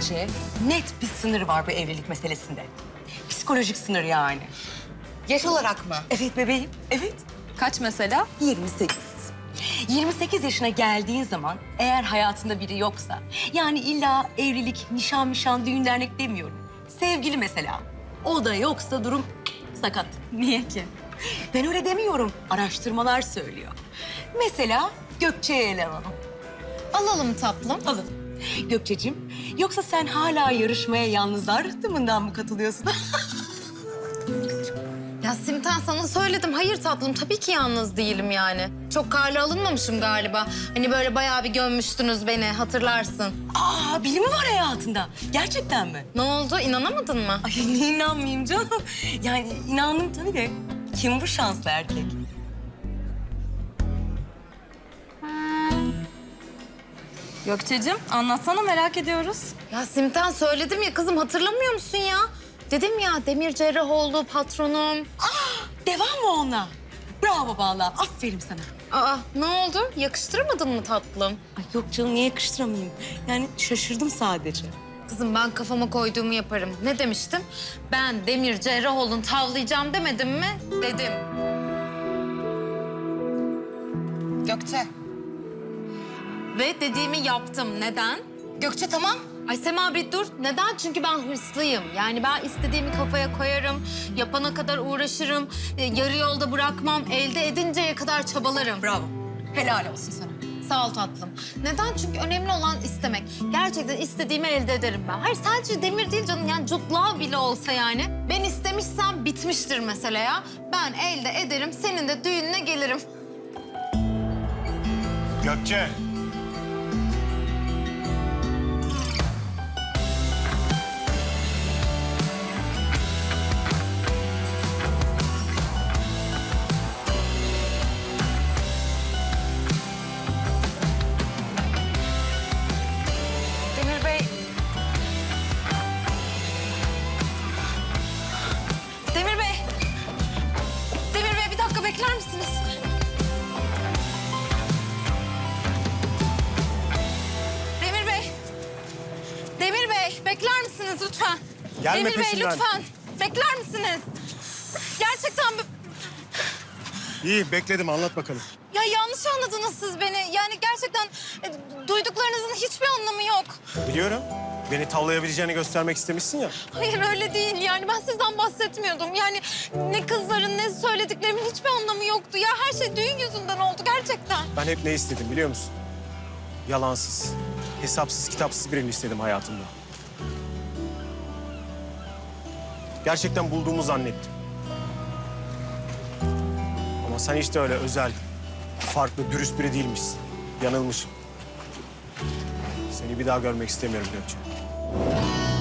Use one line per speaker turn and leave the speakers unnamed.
Bence net bir sınır var bu evlilik meselesinde. Psikolojik sınır yani.
Yaş olarak mı?
Evet bebeğim, evet.
Kaç mesela?
28. 28 yaşına geldiğin zaman eğer hayatında biri yoksa... yani illa evlilik, nişan, düğün dernek demiyorum. Sevgili mesela. O da yoksa durum sakat.
Niye ki?
Ben öyle demiyorum. Araştırmalar söylüyor. Mesela Gökçe'ye ele alalım.
Alalım tatlım.
Alın. Gökçeciğim, yoksa sen hala yarışmaya yalnızlar tımından mı katılıyorsun?
Ya Simten sana söyledim. Hayır tatlım tabii ki yalnız değilim yani. Çok karlı alınmamışım galiba. Hani böyle bayağı bir gömmüştünüz beni hatırlarsın.
Aa, biri mi var hayatında? Gerçekten mi?
Ne oldu inanamadın mı?
Ay niye inanmayayım canım? Yani inandım tabii de. Kim bu şanslı erkek?
Gökçe'cim anlatsana merak ediyoruz.
Ya Simten söyledim ya kızım hatırlamıyor musun ya? Dedim ya Demir Cerrahoğlu patronum.
Devam mı ona? Bravo vallahi. Aferin sana.
Aa ne oldu? Yakıştıramadın mı tatlım?
Ay yok canım, niye yakıştıramayayım? Yani şaşırdım sadece.
Kızım ben kafama koyduğumu yaparım. Ne demiştim? Ben Demir Cerrahoğlu'nu tavlayacağım demedim mi? Dedim. Gökçe. Ve dediğimi yaptım. Neden?
Gökçe tamam.
Ay Sema bir dur. Neden? Çünkü ben hırslıyım. Yani ben istediğimi kafaya koyarım. Yapana kadar uğraşırım. Yarı yolda bırakmam. Elde edinceye kadar çabalarım.
Bravo. Helal olsun sana.
Sağ ol tatlım. Neden? Çünkü önemli olan istemek. Gerçekten istediğimi elde ederim ben. Hayır sadece Demir değil canım. Yani Jude Law bile olsa yani. Ben istemişsem bitmiştir mesele ya. Ben elde ederim. Senin de düğününe gelirim.
Gökçe.
Demir Bey. Demir Bey. Demir Bey bir dakika bekler misiniz? Demir Bey. Demir Bey bekler misiniz lütfen?
Gelme
Demir Bey
peşimden.
lütfen. Bekler misiniz? Gerçekten
İyi bekledim, anlat bakalım.
ya yanlış anladınız siz beni. Yani gerçekten duyduklarınızın hiçbir anlamı yok.
Biliyorum. Beni tavlayabileceğini göstermek istemişsin ya.
Hayır öyle değil yani ben sizden bahsetmiyordum. Yani ne kızların ne söylediklerimin hiçbir anlamı yoktu. Ya her şey düğün yüzünden oldu gerçekten.
Ben hep ne istedim biliyor musun? Yalansız, hesapsız, kitapsız birini istedim hayatımda. Gerçekten bulduğumu zannettim. Ama sen işte öyle özel, farklı, dürüst biri değilmişsin. Yanılmışım. Seni bir daha görmek istemiyorum Gökçe.